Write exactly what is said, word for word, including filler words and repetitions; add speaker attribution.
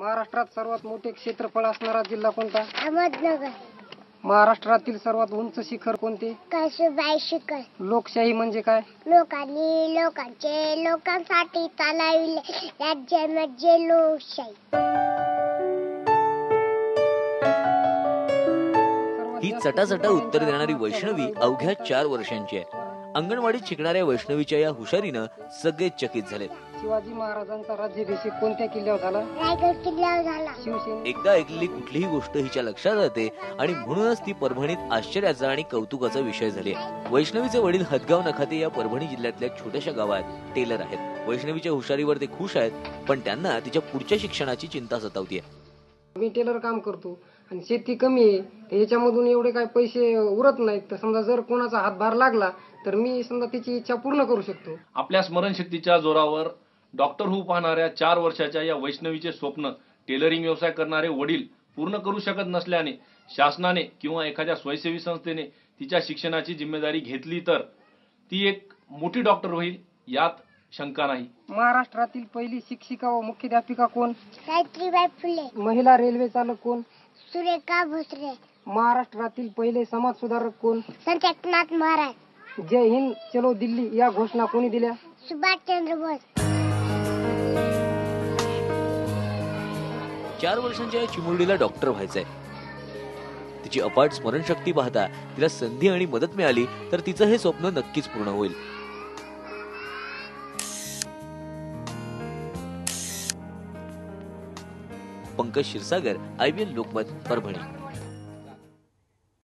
Speaker 1: महाराष्ट्रात सर्वात मोठे क्षेत्रफळ असणारा जिल्हा कोणता?
Speaker 2: अहमदनगर.
Speaker 1: महाराष्ट्रातील सर्वात उंच शिखर कोणते?
Speaker 2: कळसुबाई शिखर.
Speaker 1: लोकशाही म्हणजे काय?
Speaker 2: लोकांनी लोकांचे लोकांसाठी चालविले राज्य म्हणजे लोकशाही.
Speaker 3: ही चटाचटा उत्तर देणारी वैष्णवी अवघ्या चार वर्षांची आहे. अंगणवाडीत शिकणाऱ्या वैष्णवीच्या या हुशारीनं सगळे चकित झाले.
Speaker 1: शिवाजी महाराजांचा राज्याभिषेक कोणत्या किल्ल्यावर झाला?
Speaker 2: रायगड किल्ल्यावर झाला.
Speaker 1: शिवसेना.
Speaker 3: एकदा ऐकलेली कुठलीही गोष्ट हिच्या लक्षात राहते आणि म्हणूनच ती परभणीत आश्चर्याचा आणि कौतुकाचा विषय झाली. वैष्णवीचे वडील हदगाव नखाते या परभणी जिल्ह्यातल्या छोट्याशा गावात टेलर आहेत. वैष्णवीच्या हुशारीवर ते खुश आहेत, पण त्यांना तिच्या पुढच्या शिक्षणाची चिंता सतावतीये.
Speaker 1: मी टेलर काम करतो आणि शेती कमी आहे, याच्यामधून एवढे काय पैसे उरत नाहीत. तर समजा जर कोणाचा हातभार लागला तर मी समजा तिची इच्छा पूर्ण करू शकतो.
Speaker 4: आपल्या स्मरणशक्तीच्या जोरावर डॉक्टर होऊ पाहणाऱ्या चार वर्षाच्या या वैष्णवीचे स्वप्न टेलरिंग व्यवसाय करणारे वडील पूर्ण करू शकत नसल्याने शासनाने किंवा एखाद्या स्वयंसेवी संस्थेने तिच्या शिक्षणाची जिम्मेदारी घेतली तर ती एक मोठी डॉक्टर होईल यात शंका नाही.
Speaker 1: महाराष्ट्रातील पहिली शिक्षिका व मुख्याध्यापिका कोण?
Speaker 2: सावित्रीबाई फुले.
Speaker 1: महिला रेल्वे चालक कोण?
Speaker 2: सुरेखा भोसले.
Speaker 1: महाराष्ट्रातील पहिले समाज सुधारक कोण?
Speaker 2: संत एकनाथ महाराज.
Speaker 1: जय हिंद चलो दिल्ली या घोषणा कोणी दिल्या?
Speaker 2: सुभाषचंद्र बोस.
Speaker 3: चार वर्षांच्या या चिमुरडीला डॉक्टर व्हायचंय. तिची अपाट स्मरणशक्ती पाहता तिला संधी आणि मदत मिळाली तर तिचं हे स्वप्न नक्कीच पूर्ण होईल. Pankaj Kshirsagar, I B N Lokmat, Parbhani.